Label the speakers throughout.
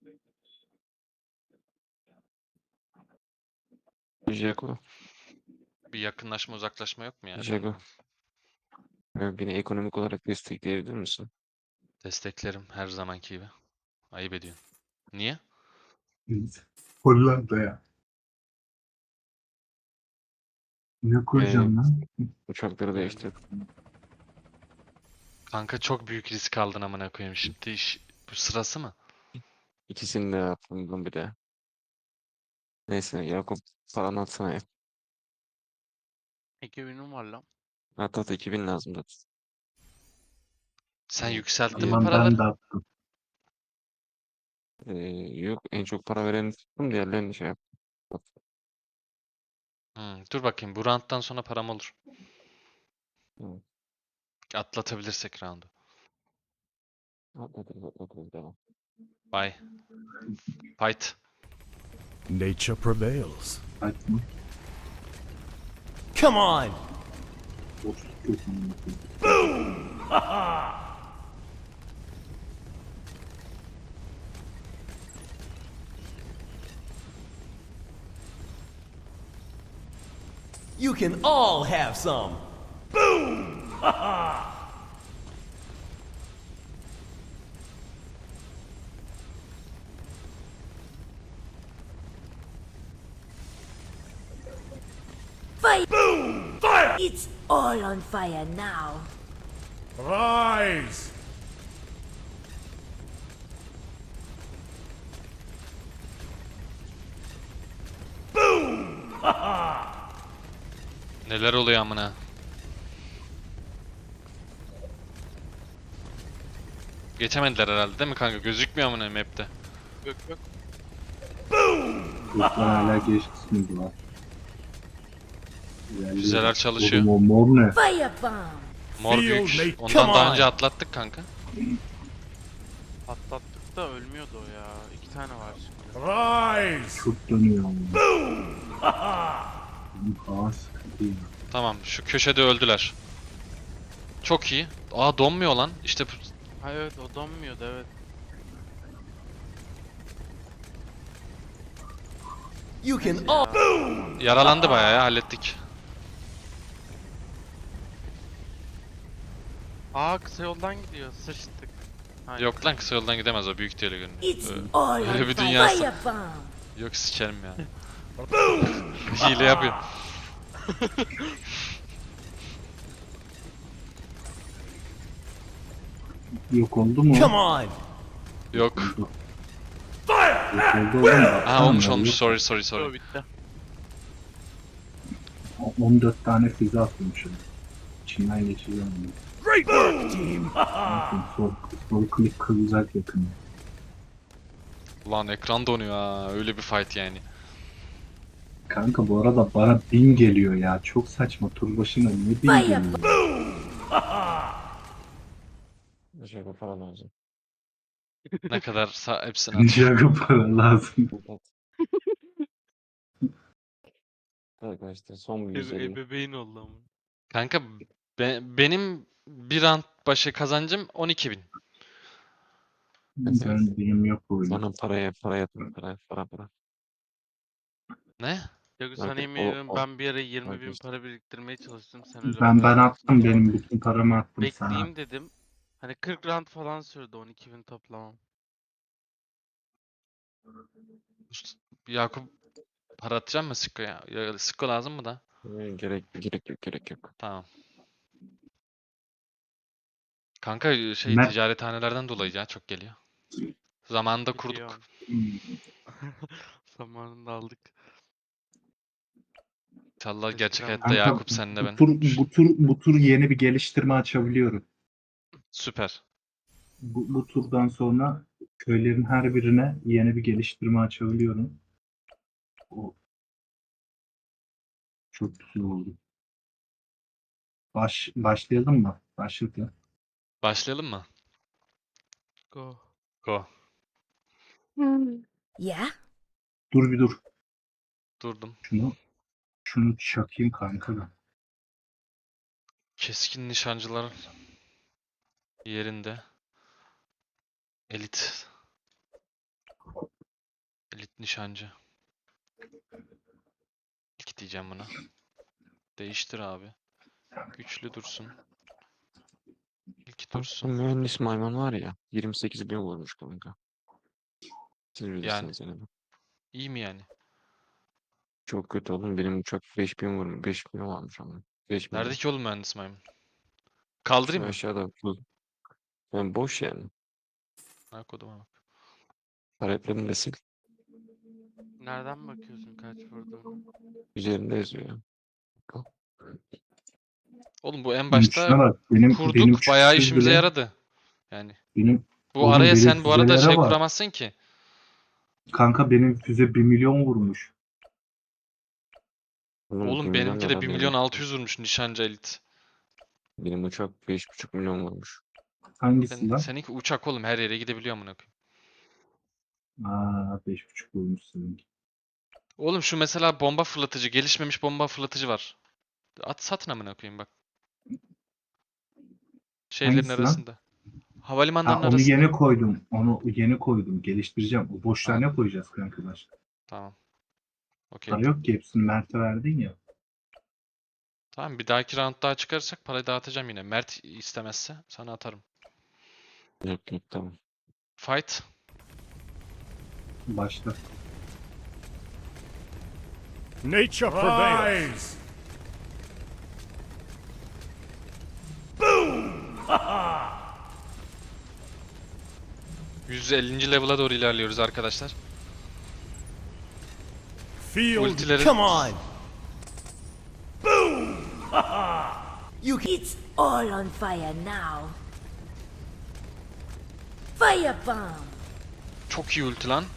Speaker 1: Jago.
Speaker 2: Bir yakınlaşma uzaklaşma yok mu ya?
Speaker 1: Jago. Beni ekonomik olarak destekleyebilir misin?
Speaker 2: Desteklerim her zamanki gibi. Ayıp ediyorsun. Niye?
Speaker 3: Hollanda'ya. Ne kuracağım lan?
Speaker 1: Uçakları
Speaker 2: Yani.
Speaker 1: değiştir.
Speaker 2: Kanka çok büyük risk aldın amına koyayım. Şimdi bu sırası mı?
Speaker 1: İkisini de yaptım bir de. Neyse Yakup paranı atsana ya.
Speaker 4: 2000'im var lan.
Speaker 1: At 2000 lazım da.
Speaker 2: Sen
Speaker 1: Ee,
Speaker 2: yükselttin mi
Speaker 3: Ulan
Speaker 2: paraları?
Speaker 3: ben de attım.
Speaker 1: Yok en çok para vereni tuttum diğerlerini şey yap.
Speaker 2: Dur bakayım. Bu round'dan sonra param olur.
Speaker 1: Hı.
Speaker 2: Atlatabilirsek round'u.
Speaker 1: Atlatırız devam.
Speaker 2: Bye. Fight.
Speaker 5: Nature prevails.
Speaker 3: Açma.
Speaker 5: Come on!
Speaker 3: Boş tutuyorsun.
Speaker 5: You can all have some.
Speaker 6: Fire! Boom! Fire! It's all on fire now.
Speaker 5: Rise!
Speaker 2: Neler oluyor amına? Geçemediler herhalde değil mi kanka? Gözükmüyor amına map'te.
Speaker 4: Yok yok.
Speaker 3: Yoksa hala geçti var.
Speaker 2: Füzeler çalışıyor.
Speaker 3: Oğlum o mor ne?
Speaker 6: Firebomb!
Speaker 2: Mor
Speaker 5: Feel
Speaker 2: büyük.
Speaker 5: me,
Speaker 2: Ondan
Speaker 5: come
Speaker 2: daha
Speaker 5: on.
Speaker 2: önce atlattık kanka.
Speaker 4: Atlattık da ölmüyordu o ya. 2 tane var şimdi.
Speaker 5: Rise!
Speaker 3: Çok dönüyor ama. Benim hava sıkıntı ya.
Speaker 2: Tamam şu köşede öldüler. Çok iyi. Aa donmuyor lan. İşte
Speaker 4: Ha evet o donmuyordu evet.
Speaker 5: You can all.
Speaker 2: yaralandı bayağı ya hallettik.
Speaker 4: Aa kısa yoldan gidiyor. Sıçtık. Hayır.
Speaker 2: Yok lan kısa yoldan gidemez o büyük değil görünüyor.
Speaker 6: It's
Speaker 2: Öyle-
Speaker 6: all
Speaker 2: öyle
Speaker 6: on
Speaker 2: bir
Speaker 6: fire!
Speaker 2: dünyası.
Speaker 6: Firebomb!
Speaker 2: Yok sikerim ya. Hile yapıyor.
Speaker 3: Yok oldu mu?
Speaker 5: Come on!
Speaker 2: Yok.
Speaker 3: Yok oldu oğlum.
Speaker 2: Ha olmuş
Speaker 3: Baksana,
Speaker 2: olmuş.
Speaker 3: yok.
Speaker 2: Sorry sorry
Speaker 4: O
Speaker 2: sorry.
Speaker 4: bitti.
Speaker 3: 14 tane füze atmışım. İçinden geçeceğim.
Speaker 5: Great work, team!
Speaker 3: Sol klik kılacak yakın.
Speaker 2: Ulan ekran donuyor ha. Öyle bir fight yani.
Speaker 3: Kanka bu arada bana 1000 geliyor ya. Çok saçma. Tur başına ne 1000 geliyor?
Speaker 1: Jago para lazım.
Speaker 2: Ne kadar hepsini at.
Speaker 3: Jago para lazım.
Speaker 1: At. Arkadaşlar son bir 150.
Speaker 4: Ebeveyn oldu ama.
Speaker 2: Kanka benim bir round başı kazancım 12.000.
Speaker 3: Benim yok öyle.
Speaker 1: Bana para yatın para.
Speaker 2: Ne?
Speaker 4: Yok
Speaker 1: Bak,
Speaker 4: sana yemin ediyorum ben bir ara 20.000
Speaker 1: işte.
Speaker 4: para biriktirmeye çalıştım. Sen öyle
Speaker 3: Ben
Speaker 4: para
Speaker 3: attım
Speaker 4: yapıyorsun.
Speaker 3: benim bütün paramı attım sana.
Speaker 4: Bekleyeyim dedim. Hani 40 round falan sürdü 12.000 toplamam.
Speaker 2: Yakup para atacak mı Siko'ya? Ya, Siko lazım mı da?
Speaker 1: Gerek yok.
Speaker 2: Tamam. Kanka
Speaker 3: Ne?
Speaker 2: ticarethanelerden dolayı ya çok geliyor. Zamanında kurduk.
Speaker 4: Biliyorum. Zamanında aldık.
Speaker 2: İnşallah gerçek
Speaker 4: Eskiden
Speaker 2: hayatta
Speaker 3: Kanka,
Speaker 2: Yakup senle ben.
Speaker 3: bu tur yeni bir geliştirme açabiliyorum.
Speaker 2: Süper.
Speaker 3: Bu turdan sonra köylerin her birine yeni bir geliştirme açabiliyorum. O çok güzel oldu. Başlayalım mı? Başladı.
Speaker 2: Başlayalım mı?
Speaker 4: Go.
Speaker 2: Go.
Speaker 6: Yeah?
Speaker 3: Dur bir dur.
Speaker 2: Durdum.
Speaker 3: Şunu çakayım kanka da.
Speaker 2: Keskin nişancılar yerinde. Elit. Nişancı. İlk diyeceğim buna. Değiştir abi. Güçlü dursun. İlk
Speaker 1: Bu
Speaker 2: dursun.
Speaker 1: mühendis maymun var ya 28 bin vurmuş kanka. Siz
Speaker 2: Yani
Speaker 1: bilirsiniz yani.
Speaker 2: iyi mi yani?
Speaker 1: Çok kötü oğlum. Benim uçak 5000 vurmuş. 5000 varmış ama. 5000.
Speaker 2: Nerede ki oğlum mühendis maymun?
Speaker 1: Şu
Speaker 2: Kaldırayım mı?
Speaker 1: aşağıda bu. Yani boş yani.
Speaker 2: Ha koduma bak.
Speaker 1: Taleplerini de sil.
Speaker 4: Nereden bakıyorsun kaç vurduğunu?
Speaker 1: Üzerinde yazıyor.
Speaker 2: Oğlum bu en
Speaker 3: Şuna
Speaker 2: başta
Speaker 3: bak. Benim
Speaker 2: kurduk. Bayağı
Speaker 3: çıksız
Speaker 2: işimize
Speaker 3: bile.
Speaker 2: yaradı. Yani
Speaker 3: Benim
Speaker 2: bu
Speaker 3: oğlum
Speaker 2: araya
Speaker 3: benim
Speaker 2: sen bu arada
Speaker 3: füzelere
Speaker 2: şey
Speaker 3: bak.
Speaker 2: kuramazsın ki.
Speaker 3: Kanka benim füze 1 milyon vurmuş.
Speaker 1: Oğlum 1
Speaker 2: Oğlum
Speaker 1: milyon
Speaker 2: benimki
Speaker 1: ne
Speaker 2: de
Speaker 1: lan
Speaker 2: 1 milyon 600 vurmuş nişancı elit.
Speaker 1: Benim uçak 5,5 milyon vurmuş.
Speaker 3: Hangisi lan?
Speaker 2: Seninki uçak oğlum her yere gidebiliyor amına koyayım.
Speaker 3: Aa 5,5 vurmuş seninki.
Speaker 2: Oğlum şu mesela bomba fırlatıcı, gelişmemiş bomba fırlatıcı var. At satın amına koyayım bak. Şeylerin
Speaker 3: Hangisi lan?
Speaker 2: arasında.
Speaker 3: Ha
Speaker 2: Havalimanlarının
Speaker 3: onu
Speaker 2: arasında.
Speaker 3: yeni koydum. Onu yeni koydum. Geliştireceğim. O boşluğa
Speaker 2: Tamam.
Speaker 3: ne koyacağız kanka başka?
Speaker 2: Tamam. Okey.
Speaker 3: Para yok ki hepsini Mert'e verdin ya.
Speaker 2: Tamam bir dahaki round daha çıkarırsak parayı dağıtacağım yine. Mert istemezse sana atarım.
Speaker 1: Yok yok tamam.
Speaker 2: Fight.
Speaker 3: Başta.
Speaker 5: Nature prevails.
Speaker 2: 150. level'a doğru ilerliyoruz arkadaşlar.
Speaker 5: Field.
Speaker 2: Ultileri
Speaker 5: Come on. You can.
Speaker 6: It's all on fire now. Firebomb!
Speaker 2: çok iyi ulti lan.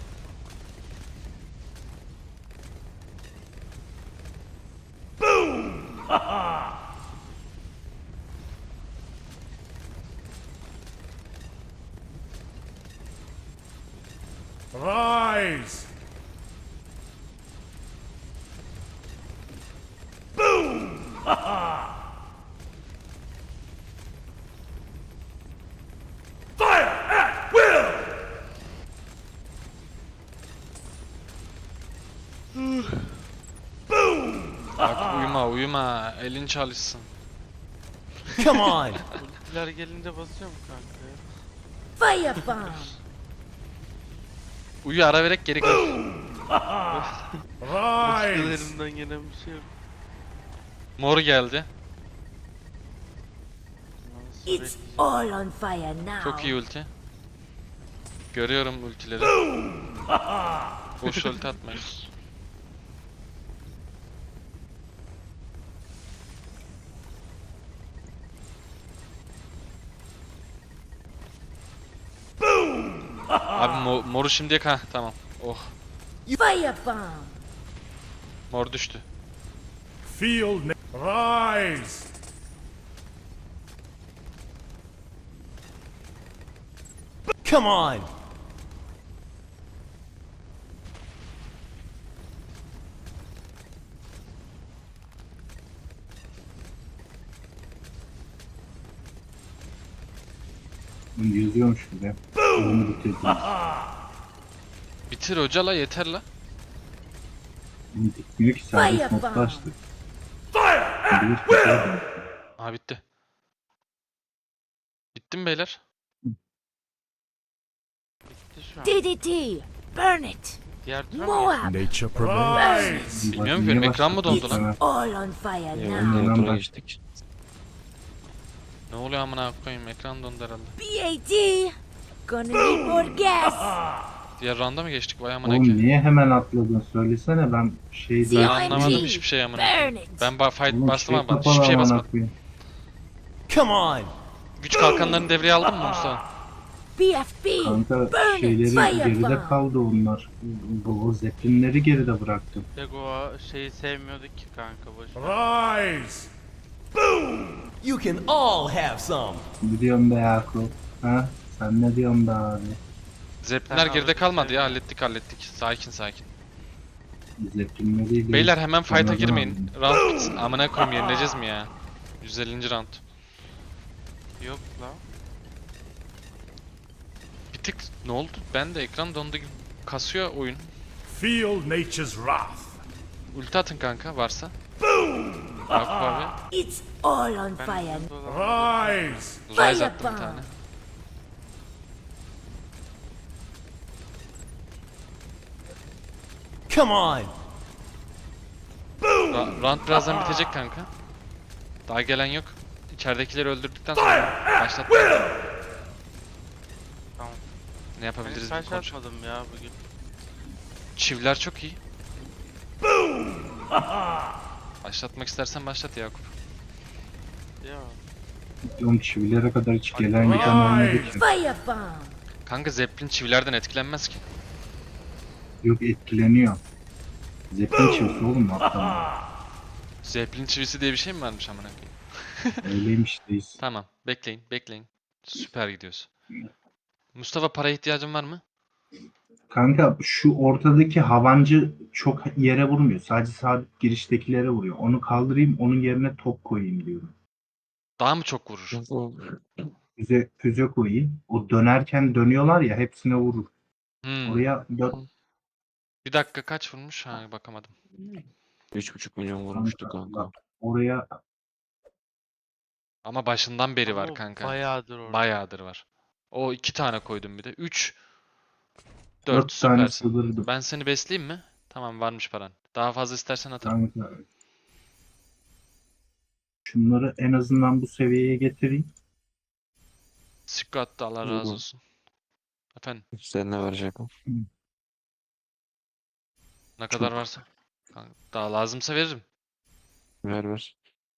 Speaker 5: Rise.
Speaker 2: Bak uyuma uyuma. Elin çalışsın.
Speaker 5: Come on.
Speaker 4: Ultiler gelince basıyor mu kanka ya?
Speaker 6: Firebomb!
Speaker 2: Uyu ara vererek geri gel.
Speaker 5: Rise.
Speaker 4: Ultilerinden gelen bir şey yok.
Speaker 2: Mor geldi.
Speaker 4: Nasıl
Speaker 6: It's
Speaker 4: bekleyeceğim?
Speaker 6: all on fire now.
Speaker 2: Çok iyi ulti. Görüyorum ultileri. Boş ulti atmayın. Abi moru şimdiye tamam. Oh,
Speaker 6: Firebomb!
Speaker 2: mor düştü.
Speaker 5: Field. Rise. Come on.
Speaker 3: Bunu yazıyormuş gibi. Onu bitirdim.
Speaker 2: Bitir hoca la yeter la.
Speaker 3: Bunu bitmiyor ki serbest
Speaker 6: Firebomb.
Speaker 3: modda açtık. Şimdi hiçbir şey yok.
Speaker 2: Aha bitti. Bitti mi beyler?
Speaker 4: Bitti şu an.
Speaker 6: DDT! Burn it!
Speaker 4: Diğer tura mı
Speaker 6: Moab!
Speaker 5: Nature prevails.
Speaker 6: Burn it!
Speaker 2: Bilmiyorum ki,
Speaker 3: Niye
Speaker 2: benim ekran mı
Speaker 3: başlattın
Speaker 2: dondu lan?
Speaker 3: sana?
Speaker 6: All on fire
Speaker 1: Ya
Speaker 6: now.
Speaker 1: ondan
Speaker 3: Ondan
Speaker 1: sonra
Speaker 3: bak.
Speaker 1: geçtik.
Speaker 2: Ne oluyor amına koyayım ekran dondu herhalde.
Speaker 6: BAT! Gonna need more gas!
Speaker 2: Diğer rounda mı geçtik vay amına
Speaker 3: Oğlum
Speaker 2: koyayım.
Speaker 3: niye hemen atladın? Söylesene ben şey
Speaker 2: Ben
Speaker 3: değil.
Speaker 2: anlamadım
Speaker 6: CNG.
Speaker 2: hiçbir şey amına
Speaker 6: Burn
Speaker 2: koyayım.
Speaker 6: it!
Speaker 2: Ben fight
Speaker 3: Oğlum
Speaker 2: bastım
Speaker 3: şey
Speaker 2: ama
Speaker 3: kapalı
Speaker 2: hiçbir şey
Speaker 3: amına
Speaker 2: basmadım.
Speaker 3: koyayım.
Speaker 5: Come on.
Speaker 2: Güç kalkanlarını devreye aldın mı Mustafa?
Speaker 6: BFB!
Speaker 3: Kanka
Speaker 6: Burn it!
Speaker 3: şeyleri geride
Speaker 6: Firebomb!
Speaker 3: kaldı onlar. Bu zeplinleri geride bıraktım.
Speaker 4: Lego şeyi sevmiyorduk ki kanka boş ver.
Speaker 5: Rise. You can all have some.
Speaker 3: Ne diyorsun be Yakup? Ha? Sen ne diyorsun be abi?
Speaker 2: Zeplinler
Speaker 4: Sen
Speaker 2: geride
Speaker 4: abi,
Speaker 2: kalmadı ya
Speaker 4: sevmiyorum.
Speaker 2: hallettik. Sakin sakin.
Speaker 3: Zeplinleri
Speaker 2: Beyler hemen fight'a
Speaker 3: Anladım
Speaker 2: girmeyin. Round bitsin. Amına koyayım yenileceğiz mi ya? 150. round.
Speaker 4: Yok lan.
Speaker 2: Bir tık ne oldu? Ben de ekran dondu gibi kasıyor oyun.
Speaker 5: Feel nature's wrath.
Speaker 2: Ulti atın kanka varsa. Yakup abi.
Speaker 6: It's all on
Speaker 4: Ben
Speaker 6: fire.
Speaker 4: hızlı olamam.
Speaker 5: Rise.
Speaker 2: Rise attım bir tane.
Speaker 5: Come on.
Speaker 2: Round birazdan bitecek kanka. Daha gelen yok. İçeridekileri öldürdükten sonra başlat.
Speaker 4: Tamam.
Speaker 2: Ne
Speaker 4: Ben
Speaker 2: yapabiliriz
Speaker 4: hiç
Speaker 2: bir
Speaker 4: taş
Speaker 2: konuş.
Speaker 4: atmadım ya bugün.
Speaker 2: Çivler çok iyi. Başlatmak istersen başlat Yakup.
Speaker 4: Ya.
Speaker 3: Diyorum çivilere kadar hiç gelen giden olmadı ki.
Speaker 6: Firebomb.
Speaker 2: Kanka Zeppelin çivilerden etkilenmez ki.
Speaker 3: Yok etkileniyor. Zeppelin çivisi oğlum hatta.
Speaker 2: Zeppelin çivisi diye bir şey mi varmış amına koyayım?
Speaker 3: Öyleymiş deyiz.
Speaker 2: Tamam, bekleyin. Süper gidiyoruz. Mustafa paraya ihtiyacın var mı?
Speaker 3: Kanka şu ortadaki havancı çok yere vurmuyor. Sadece sabit giriştekilere vuruyor. Onu kaldırayım, onun yerine top koyayım diyorum.
Speaker 2: Daha mı çok vurur?
Speaker 3: Füze koyayım. O dönerken dönüyorlar ya, hepsine vurur. Oraya
Speaker 2: Bir dakika kaç vurmuş? Ha bakamadım.
Speaker 1: 3,5 milyon vurmuştu kanka.
Speaker 3: bak, oraya
Speaker 2: Ama başından beri
Speaker 4: Ama
Speaker 2: var
Speaker 4: o
Speaker 2: kanka.
Speaker 4: Bayağıdır orada.
Speaker 2: Bayağıdır var. O 2 tane koydum bir de. 3 4
Speaker 3: 4 tane
Speaker 2: süpersin.
Speaker 3: sığdırdım.
Speaker 2: Ben seni besleyeyim mi? Tamam varmış paran. Daha fazla istersen atarım.
Speaker 3: Kanka. Şunları en azından bu seviyeye getireyim.
Speaker 2: Sikko attı Allah razı
Speaker 1: Uygun.
Speaker 2: olsun. Efendim
Speaker 1: Üstlerine verecek o.
Speaker 2: ne kadar
Speaker 3: Çok.
Speaker 2: varsa. Kanka, daha lazımsa veririm.
Speaker 1: Ver.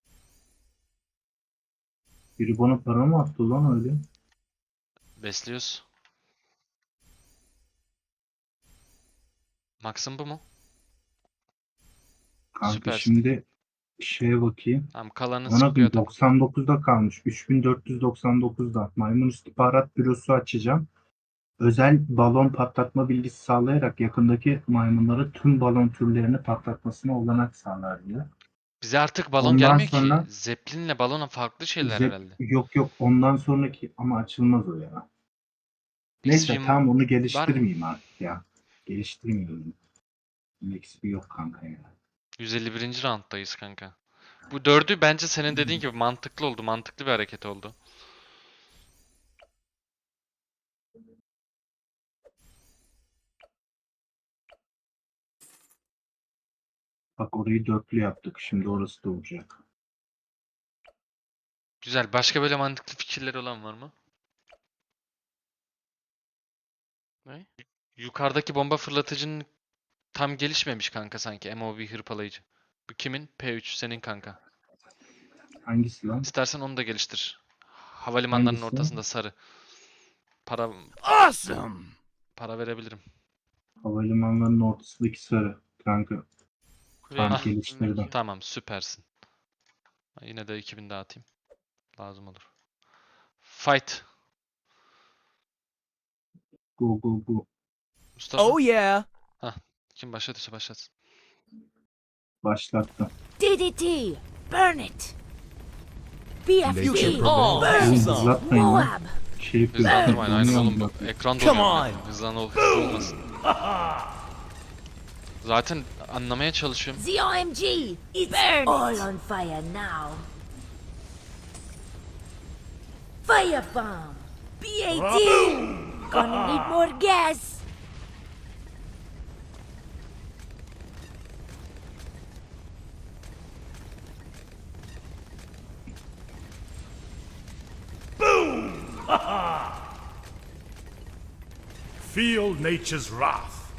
Speaker 3: Biri bana para mı attı lan öyle?
Speaker 2: Besliyoruz. Max'ın bu mu?
Speaker 3: Kanka
Speaker 2: Süpersin.
Speaker 3: şimdi şeye bakayım.
Speaker 2: Tamam kalanı
Speaker 3: Bana
Speaker 2: Sikko'ya tak.
Speaker 3: 99'da kalmış. 3499'da. Maymun İstihbarat Bürosu açacağım. Özel balon patlatma bilgisi sağlayarak yakındaki maymunlara tüm balon türlerini patlatmasına olanak sağlar diyor.
Speaker 2: Bize artık balon
Speaker 3: Ondan
Speaker 2: gelmiyor
Speaker 3: sonra-
Speaker 2: ki. Zeppelin'le balona farklı şeyler
Speaker 3: Zep-
Speaker 2: herhalde.
Speaker 3: Yok ondan sonraki ama açılmaz o ya. Neyse
Speaker 2: XP
Speaker 3: tamam onu geliştirmeyeyim artık ya. Geliştirmeyeyim. XP yok kanka ya.
Speaker 2: 151. rounddayız kanka. Bu dördü bence senin dediğin gibi mantıklı oldu. Mantıklı bir hareket oldu.
Speaker 3: Bak orayı dörtlü yaptık. Şimdi orası da olacak.
Speaker 2: Güzel. Başka böyle mantıklı fikirleri olan var mı?
Speaker 4: Ne?
Speaker 2: Yukarıdaki bomba fırlatıcının tam gelişmemiş kanka sanki. MOV hırpalayıcı. Bu kimin? P3 senin kanka.
Speaker 3: Hangisi lan?
Speaker 2: İstersen onu da geliştir. Havalimanlarının
Speaker 3: Hangisi?
Speaker 2: ortasında sarı. Para
Speaker 5: Awesome.
Speaker 2: verebilirim.
Speaker 3: Havalimanlarının ortasındaki sarı. Kanka
Speaker 4: Kulenin
Speaker 3: tam
Speaker 2: Ah.
Speaker 3: geliştirdim.
Speaker 4: üstündeki.
Speaker 2: Tamam, süpersin. Yine de 2000 daha atayım. Lazım olur. Fight.
Speaker 3: Go.
Speaker 2: Mustafa.
Speaker 5: Oh yeah.
Speaker 2: Kim başlatırsa başlatsın.
Speaker 3: Başlattım.
Speaker 6: DDT. Burn it.
Speaker 5: You
Speaker 6: BFG.
Speaker 5: can all have
Speaker 3: Oğlum
Speaker 5: some.
Speaker 3: hızlatmayın lan.
Speaker 6: Moab.
Speaker 3: Şey yapıyorum.
Speaker 2: Hızlandırmayın. Aynen
Speaker 3: donuyorum
Speaker 2: oğlum.
Speaker 3: bak.
Speaker 2: Ekran
Speaker 5: Come
Speaker 2: donuyor.
Speaker 5: on.
Speaker 2: Hızlı olmasın. Zaten anlamaya çalışıyorum.
Speaker 6: The OMG. It's all on fire now. Firebomb. BAT. Gonna need more gas.
Speaker 5: Feel nature's wrath.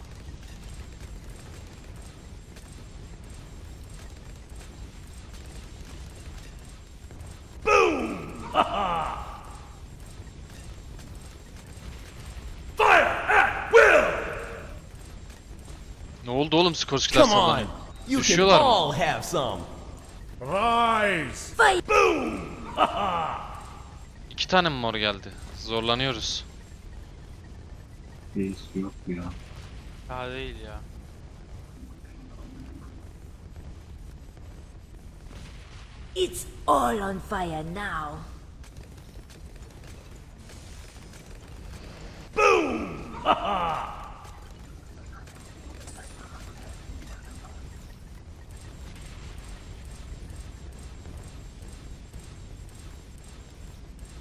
Speaker 2: Ne oldu oğlum? Skorskiler
Speaker 5: Come on.
Speaker 2: sallanıyor.
Speaker 5: You can
Speaker 2: Düşüyorlar mı?
Speaker 5: all have some. Rise.
Speaker 6: Fire.
Speaker 2: 2 tane mi mor geldi? Zorlanıyoruz.
Speaker 3: Reis yok ya.
Speaker 4: Daha değil ya.
Speaker 6: It's all on fire now.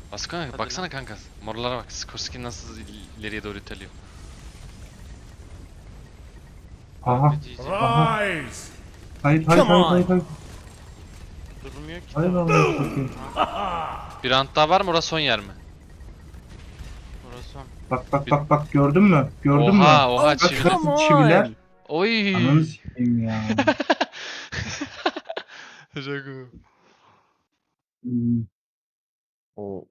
Speaker 2: Baksana,
Speaker 4: Hadi
Speaker 2: baksana
Speaker 4: lan.
Speaker 2: kanka. Morlara bak. Skorsky nasıl ileriye doğru iteliyor.
Speaker 3: Aha.
Speaker 4: GG.
Speaker 3: Aha.
Speaker 5: Rise!
Speaker 3: Hayır hayır
Speaker 5: Come
Speaker 3: hayır
Speaker 5: on.
Speaker 3: hayır. Hayır,
Speaker 4: Durmuyor ki.
Speaker 3: hayır
Speaker 4: de.
Speaker 3: Allah'ını satayım.
Speaker 2: Bir round daha var mı? Orası son yer mi?
Speaker 4: Orası son.
Speaker 3: Bak bak bak bak gördün mü? Gördün mü?
Speaker 2: Oha oha
Speaker 5: Oh,
Speaker 2: çivili.
Speaker 5: come on.
Speaker 3: Çiviler.
Speaker 2: Oy.
Speaker 3: Ananı sikeyim ya.
Speaker 2: Jago.
Speaker 3: Hmm,
Speaker 1: O,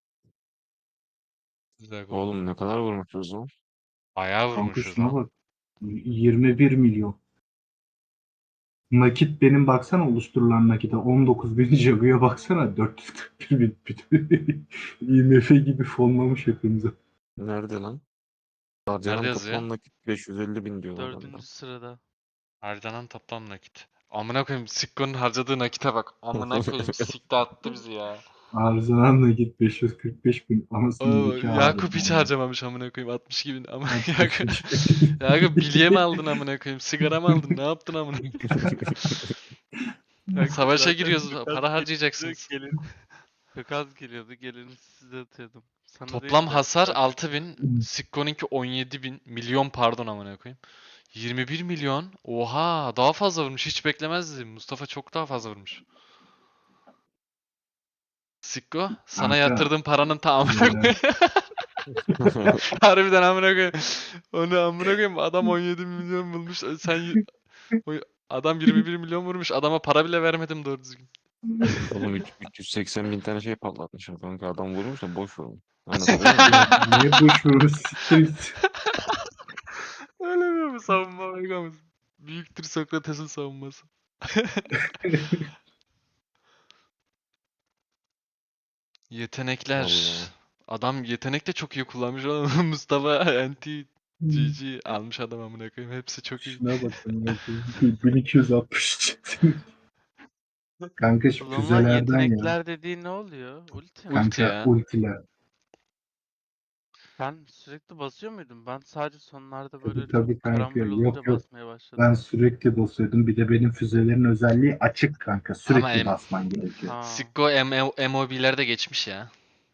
Speaker 2: Jago.
Speaker 1: oğlum ne kadar vurmuşuz lan?
Speaker 2: Bayağı
Speaker 3: Kanka
Speaker 2: vurmuşuz
Speaker 3: şuna
Speaker 2: lan.
Speaker 3: bak. 21 milyon. Nakit benim baksana oluşturulan nakite 19 bin, Jagu'ya baksana 441 bin. IMF gibi fonlamış hepimize.
Speaker 1: Nerede lan?
Speaker 2: Nerede
Speaker 1: Harcanan
Speaker 2: yazıyor?
Speaker 1: toplam nakit 550 bin diyorlar bana.
Speaker 4: 4. sırada.
Speaker 2: Harcanan toplam nakit. Amına koyayım Sikko'nun harcadığı nakite bak. Amına koyayım sikti attı bizi ya.
Speaker 3: Harcanan nakit 545 bin. Anasını
Speaker 2: Oo,
Speaker 3: nikah
Speaker 2: Yakup hiç harcamamış amına koyayım 62 bin ama Yakup, Yakup bilye mi aldın amına koyayım sigara mı aldın ne yaptın amına koyayım?
Speaker 4: Kanka
Speaker 2: Savaşa
Speaker 4: zaten
Speaker 2: giriyoruz
Speaker 4: çok az
Speaker 2: para
Speaker 4: geliyordu,
Speaker 2: harcayacaksınız.
Speaker 4: Çok az geliyordu. Geleni size atıyordum. Sana
Speaker 2: Toplam
Speaker 4: değil de
Speaker 2: hasar
Speaker 4: sadece-
Speaker 2: 6000, Sikko'nunki 17.000 milyon pardon amına koyayım. 21 milyon. Oha daha fazla vurmuş hiç beklemezdim. Mustafa çok daha fazla vurmuş. Sikko sana
Speaker 3: Kanka,
Speaker 2: yatırdığım paranın tamamını
Speaker 3: böyle-
Speaker 2: harbiden amına koyayım. Onu amına koyayım adam 17 milyon bulmuş. Adam 21 milyon vurmuş. Adama para bile vermedim doğru düzgün.
Speaker 1: Oğlum 380 bin tane şey patlatmış kanka. Adam vurmuş da boş vurmuş. Anlatabiliyor muyum?
Speaker 3: Niye boş vurmuş? Siktir git.
Speaker 2: Öyle mi savunma Vegas? Büyüktür Sokrates'in savunması. Yetenekler.
Speaker 1: Vallahi.
Speaker 2: Adam yetenek de çok iyi kullanmış oğlum. Mustafa NT GG almış adam amına koyayım. Hepsi çok iyi.
Speaker 3: Şuna bakın. 1260. Kanka şu
Speaker 4: Kullanılan
Speaker 3: füzelerden ya.
Speaker 4: yetenekler dediğin ne oluyor? Ulti mi?
Speaker 2: Ulti
Speaker 3: Kanka
Speaker 2: ya.
Speaker 3: ultiler.
Speaker 4: Sen sürekli basıyor muydun? Ben sadece sonlarda
Speaker 3: Tabii,
Speaker 4: böyle
Speaker 3: tabii
Speaker 4: çok
Speaker 3: kanka.
Speaker 4: karambol
Speaker 3: Yok,
Speaker 4: olunca
Speaker 3: yok.
Speaker 4: basmaya başladım.
Speaker 3: Ben sürekli basıyordum. Bir de benim füzelerin özelliği açık kanka. Sürekli
Speaker 2: Ama
Speaker 3: basman gerekiyor.
Speaker 4: Ha.
Speaker 2: Sikko MOB'lerde geçmiş ya.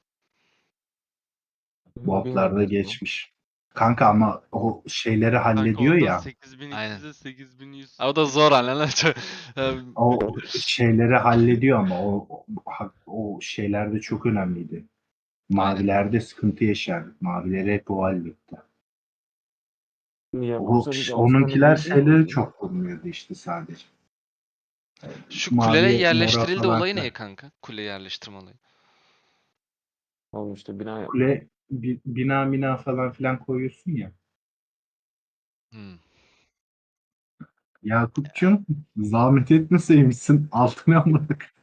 Speaker 3: Botlarda geçmiş. Kanka ama o şeyleri
Speaker 4: Kanka
Speaker 3: hallediyor
Speaker 4: onda
Speaker 3: ya.
Speaker 4: 8200'e 8100.
Speaker 2: O da zor lan.
Speaker 3: O şeyleri hallediyor ama o şeylerde çok önemliydi. Mavilerde sıkıntı yaşardık. Mavileri hep o halletti.
Speaker 1: Ya,
Speaker 3: O,
Speaker 1: yoksa biz
Speaker 3: onunkiler
Speaker 1: Avustralya'da değil
Speaker 3: şeyleri
Speaker 1: miyiz?
Speaker 3: çok vurmuyordu işte sadece.
Speaker 2: Şu
Speaker 3: Mavi,
Speaker 2: kule
Speaker 3: mora
Speaker 2: yerleştirildi
Speaker 3: falan
Speaker 2: olayı
Speaker 3: filan.
Speaker 2: ne kanka? Kule yerleştirme olayı.
Speaker 1: Oğlum işte bina yap.
Speaker 3: Kule bina falan filan koyuyorsun ya.
Speaker 2: Hmm.
Speaker 3: Yakup'cum zahmet etmeseymişsin altına almadık.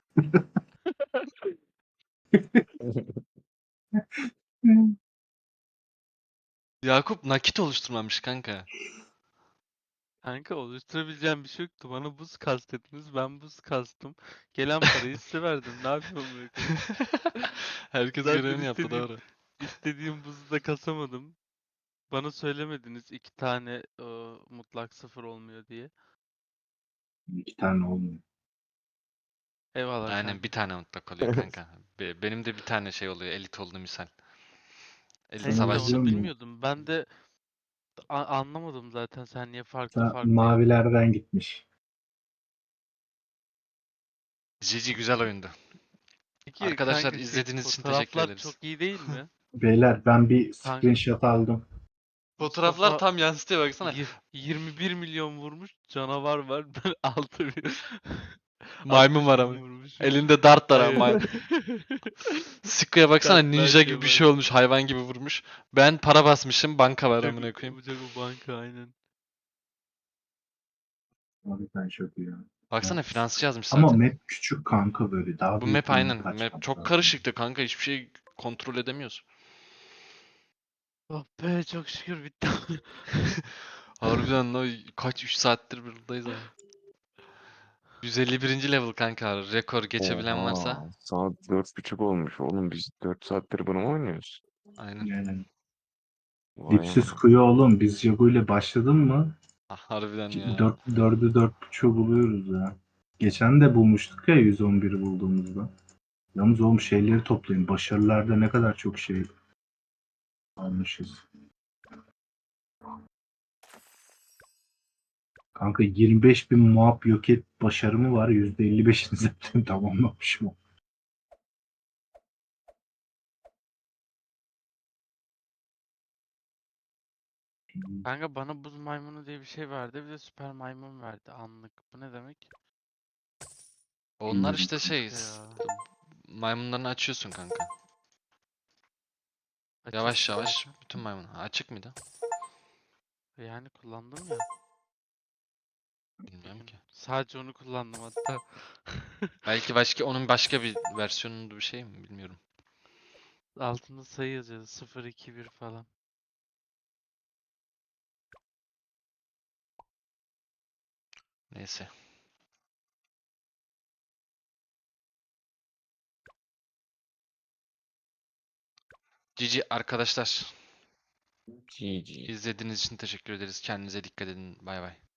Speaker 2: Yakup nakit oluşturmamış kanka.
Speaker 4: Kanka oluşturabileceğim bir şey yoktu. Bana buz kastediniz. Ben buz kastım. Gelen parayı size verdim. Ne yapayım amına koyayım?
Speaker 2: Herkes
Speaker 4: Zaten
Speaker 2: görevini yaptı
Speaker 4: istediğim-
Speaker 2: doğru.
Speaker 4: İstediğim buzu da kasamadım. Bana söylemediniz 2 tane mutlak sıfır olmuyor diye.
Speaker 3: 2 tane olmuyor.
Speaker 4: Eyvallah
Speaker 2: Aynen
Speaker 4: kanka.
Speaker 2: bir tane mutlak oluyor kanka. Benim de bir tane şey oluyor elit oldu misal. Elit
Speaker 3: Sen
Speaker 4: Neyse
Speaker 3: izliyor
Speaker 2: savaşçı.
Speaker 4: onu
Speaker 3: musun?
Speaker 4: bilmiyordum. Ben de anlamadım zaten sen niye farklı
Speaker 3: Sen
Speaker 4: farklı
Speaker 3: mavilerden gitmiş.
Speaker 2: GG güzel oyundu.
Speaker 4: Peki
Speaker 2: Arkadaşlar
Speaker 4: kanka
Speaker 2: izlediğiniz için
Speaker 4: fotoğraflar
Speaker 2: teşekkür ederiz.
Speaker 4: çok iyi değil mi?
Speaker 3: Beyler ben bir
Speaker 4: Kanka.
Speaker 3: screenshot aldım.
Speaker 2: Fotoğraflar
Speaker 4: Mustafa
Speaker 2: tam yansıtıyor baksana.
Speaker 4: 21 milyon vurmuş. Canavar var. Ben 6
Speaker 2: Maymun var ama. Elinde dart var ama. Sikko'ya baksana
Speaker 4: Dartlar
Speaker 2: ninja gibi bir
Speaker 4: Kemal.
Speaker 2: şey olmuş hayvan gibi vurmuş. Ben para basmışım banka var amına koyayım.
Speaker 4: Yapacak o banka aynen.
Speaker 3: Abi ben çok iyi.
Speaker 2: Baksana
Speaker 3: Evet.
Speaker 2: finansçı yazmış
Speaker 3: Ama
Speaker 2: zaten.
Speaker 3: map küçük kanka böyle. Daha
Speaker 2: Bu
Speaker 3: büyük
Speaker 2: map
Speaker 3: bir
Speaker 2: aynen.
Speaker 3: açmak
Speaker 2: Map çok
Speaker 3: lazım.
Speaker 2: karışıktı kanka. Hiçbir şey kontrol edemiyoruz.
Speaker 4: Oh be çok şükür bitti.
Speaker 2: Harbiden kaç 3 saattir buradayız abi. 151. level kanka. Rekor geçebilen varsa.
Speaker 1: Oha, saat 4.30 olmuş oğlum. Biz 4 saattir bunu mu oynuyoruz?
Speaker 2: Aynen.
Speaker 3: Yani,
Speaker 1: Vay
Speaker 3: dipsiz
Speaker 1: anam.
Speaker 3: kuyu oğlum. Biz Jago ile başladın mı?
Speaker 2: Harbiden ya.
Speaker 3: 4'ü 4.5'u buluyoruz ya. Geçen de bulmuştuk ya 111'i bulduğumuzda. Yalnız oğlum şeyleri toplayın. Başarılarda ne kadar çok şey almışız. Kanka 25.000 muhab yok et başarımı var. %55'ini zaten tamamlamışım.
Speaker 4: Kanka bana buz maymunu diye bir şey verdi. Bir de süper maymun verdi anlık. Bu ne demek?
Speaker 2: Onlar
Speaker 3: Bilmiyorum
Speaker 2: işte şey,
Speaker 4: Ya.
Speaker 2: maymunlarını açıyorsun kanka.
Speaker 4: Açık
Speaker 2: Yavaş yavaş
Speaker 4: zaten.
Speaker 2: bütün maymun. Ha, açık mıydı?
Speaker 4: Yani kullandım ya.
Speaker 2: Bilmiyorum
Speaker 4: Bugün.
Speaker 2: ki.
Speaker 4: Sadece onu kullandım hatta.
Speaker 2: Belki başka onun başka bir versiyonunda bir şey mi bilmiyorum.
Speaker 4: Altında sayı yazıyordu. 0, 2, 1 falan.
Speaker 2: Neyse. GG arkadaşlar.
Speaker 1: GG.
Speaker 2: İzlediğiniz için teşekkür ederiz. Kendinize dikkat edin. Bay bay.